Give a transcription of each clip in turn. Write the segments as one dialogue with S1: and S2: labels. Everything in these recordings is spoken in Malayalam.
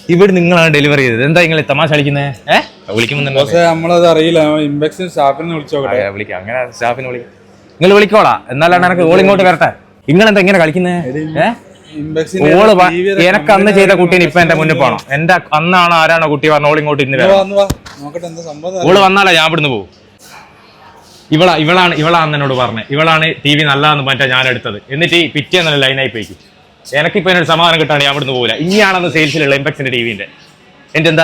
S1: ഇവിടെ നിങ്ങളാണ് ഡെലിവറി ചെയ്തത്. എന്താ നിങ്ങൾ തമാശ കളിക്കുന്നത്? വിളിക്കുമ്പോൾ
S2: നമ്മളത് അറിയില്ല. ഇമ്പെക്സിൻ സ്റ്റാഫിനെ വിളിച്ചോട്ടെ.
S1: വിളിക്കാം, അങ്ങനെ സ്റ്റാഫിനെ വിളിക്കാം. നിങ്ങൾ വിളിക്കോളാ, എന്നാലാണ് എനിക്ക് ഓൾ ഇങ്ങോട്ട് വരട്ടെ. നിങ്ങളെന്താ ഇങ്ങനെ കളിക്കുന്നത്? ഓള് എനക്ക് അന്ന് ചെയ്ത കുട്ടീനെ ഇപ്പൊ എന്റെ മുന്നിൽ പോകണം. എന്റെ അന്നാണ് ആരാണോ കുട്ടി പറഞ്ഞ ഓൾ ഇങ്ങോട്ട് ഇന്ന് വരാം. ഓള് വന്നാലേ ഞാൻ ഇവിടുന്ന് പോകും. ഇവളാണ് എന്നോട് പറഞ്ഞത്. ഇവളാണ് TV നല്ലതെന്ന് മറ്റേ ഞാൻ എടുത്തത്. എന്നിട്ട് ഈ പിറ്റേന്നല്ല ലൈനായി പോയിക്കും. എനിക്കിപ്പോ എന്നൊരു സമാധാനം കിട്ടാണ് ഞാൻ ഇവിടുന്ന് പോകില്ല. ഇനിയാണെന്ന് സെയിൽസിലുള്ള ഇമ്പെക്സിന്റെ ടിവിന്റെ എന്റെ എന്താ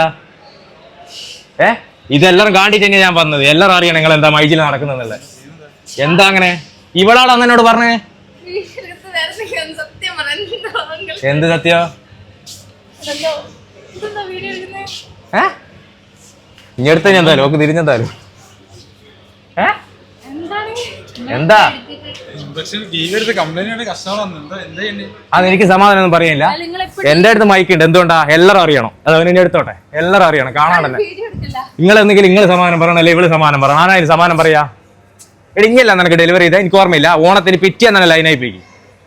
S1: ഇതെല്ലാം കാണിട്ട് തന്നെയാ ഞാൻ വന്നത്. എല്ലാരും അറിയണം നിങ്ങൾ എന്താ മൈജിൽ നടക്കുന്നെന്നുള്ളത്. എന്താ അങ്ങനെ? ഇവളാണ് അന്ന് എന്നോട് പറഞ്ഞേ. എന്ത് സത്യോ? ഇഞ്ഞെടുത്ത ഞാൻ എന്തായാലും ഓക്ക് തിരിഞ്ഞെന്തായാലും എന്താ അതെനിക്ക് സമാധാനം ഒന്നും പറയില്ല. എന്റെ അടുത്ത് മൈക്കുണ്ട്. എന്തുകൊണ്ടാ? എല്ലാരും അറിയണം. അത് അവനെ എടുത്തോട്ടെ. എല്ലാരും അറിയണം. കാണാണ്ടല്ലേ. നിങ്ങൾ എന്തെങ്കിലും നിങ്ങൾ സമാധാനം പറയണം, അല്ലെ ഇവള് സമാധാനം പറയണം. ആരായാലും സമാധാനം പറയാ. എടി ഇങ്ങല്ല നിനക്ക് ഡെലിവറി ചെയ്താൽ എനിക്ക് ഓർമ്മയില്ല. ഓണത്തിന് പിറ്റേന്നല്ല ലൈനായി പോയി.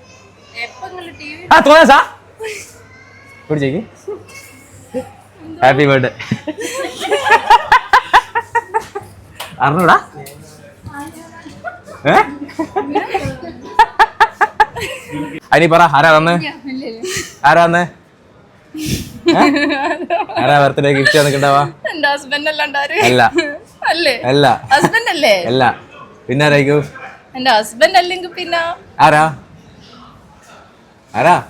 S1: പിടിച്ചേക്ക്. Happy birthday. അറിഞ്ഞൂടാ? അനി പറ, ആരാ വന്ന്? ആരാ വന്ന്? ആരാ ബർത്ത്ഡേ ഗിഫ്റ്റ് തന്നിട്ടുണ്ടാവാ? അല്ല അല്ല അല്ല. പിന്നെ ആരായിരിക്കും?
S3: എന്റെ ഹസ്ബൻഡ് അല്ലെങ്കിൽ പിന്നെ
S1: ആരാ? ആരാ?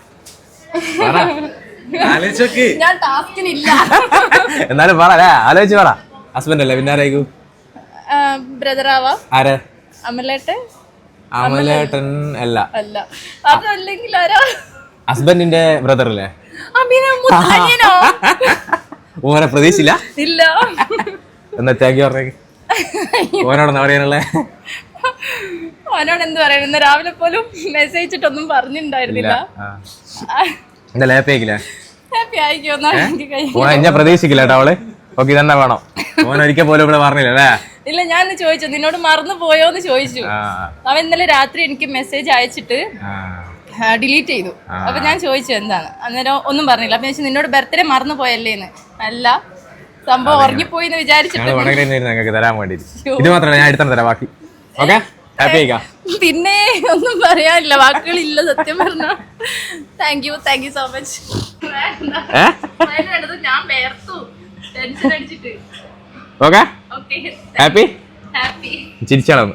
S3: ഞാൻ ടാസ്കിനില്ല.
S1: എന്നാലും പറ, ആലോചിച്ച് പറ. ഹസ്ബൻഡ് അല്ലേ, പിന്നെ ആരായിരിക്കും?
S3: ബ്രദറാവാ.
S1: ആരെ?
S3: അമലേട്ടൻ.
S1: അമലേട്ടൻ അല്ല.
S3: അല്ല. അതല്ലെങ്കിൽ ആരാ?
S1: ഹസ്ബൻഡിന്റെ ബ്രദർ അല്ലേ? ഓനെ പ്രതീക്ഷിച്ചില്ല.
S3: ഇല്ല.
S1: എന്നാ താങ്ക് യു പറഞ്ഞേ. ഓനോടെന്നാ പറയാനുള്ളേ?
S3: ഓനോട് എന്ത് പറയാൻ? ഇന്ന് രാവിലെ പോലും മെസ്സേജ് ഇട്ടൊന്നും പറഞ്ഞിട്ടുണ്ടായിരുന്നില്ല. ഹാപ്പി ആയിക്കോന്നാ.
S1: ഞാൻ പ്രതീക്ഷിക്കില്ല കേട്ടോ അവള്. ഓക്കെ, തന്നെ വേണം. ഓൻ ഒരിക്കൽ പോലും ഇവിടെ പറഞ്ഞില്ലേ?
S3: ഇല്ല, ഞാൻ ചോദിച്ചു നിന്നോട് മറന്നു പോയോന്ന് ചോദിച്ചു. അവൻ ഇന്നലെ രാത്രി എനിക്ക് മെസ്സേജ് അയച്ചിട്ട് ഡിലീറ്റ് ചെയ്തു. അപ്പൊ ഞാൻ ചോദിച്ചു എന്താണ്, അന്നേരം ഒന്നും പറഞ്ഞില്ല. അപ്പൊ ഞാൻ നിന്നോട് ബർത്ത്ഡേ മറന്നു പോയല്ലേന്ന്. അല്ല, സംഭവം ഉറങ്ങിപ്പോയി എന്ന് വിചാരിച്ചിട്ട്
S1: തരാൻ വേണ്ടി. ഇത് മാത്രമല്ല, ഞാൻ എടുത്തു തരാം ബാക്കി. ഓക്കെ, ഹാപ്പി ആയിക്കാം.
S3: പിന്നെ ഒന്നും പറയാനില്ല, വാക്കുകളില്ല സത്യം പറഞ്ഞ. Thank you so much. ഞാൻ വേർത്തു ടെൻഷൻ അടിച്ചിട്ട്.
S1: ഓക്കെ, ഹാപ്പി ചിരിച്ചാളൊന്ന്.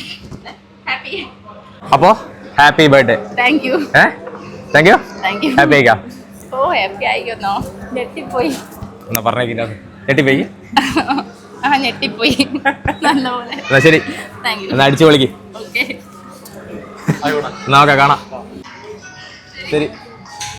S1: അപ്പോ happy birthday.
S3: Thank you.
S1: Thank you. Happy ആയിക്കാം.
S3: ഓ ഹാപ്പി ആയിക്കോന്നോ? ഞെട്ടിപ്പോയി.
S1: എന്നാ പറഞ്ഞേക്കില്ല, ഞെട്ടിപ്പോയി.
S3: ഞെട്ടിപ്പോയി നല്ലപോലെ.
S1: എന്നാ ശരി, എന്നാ അടിച്ചു വിളിക്ക്.
S3: ഓക്കെ,
S1: എന്നാ ഓക്കെ, കാണാം. ശരി.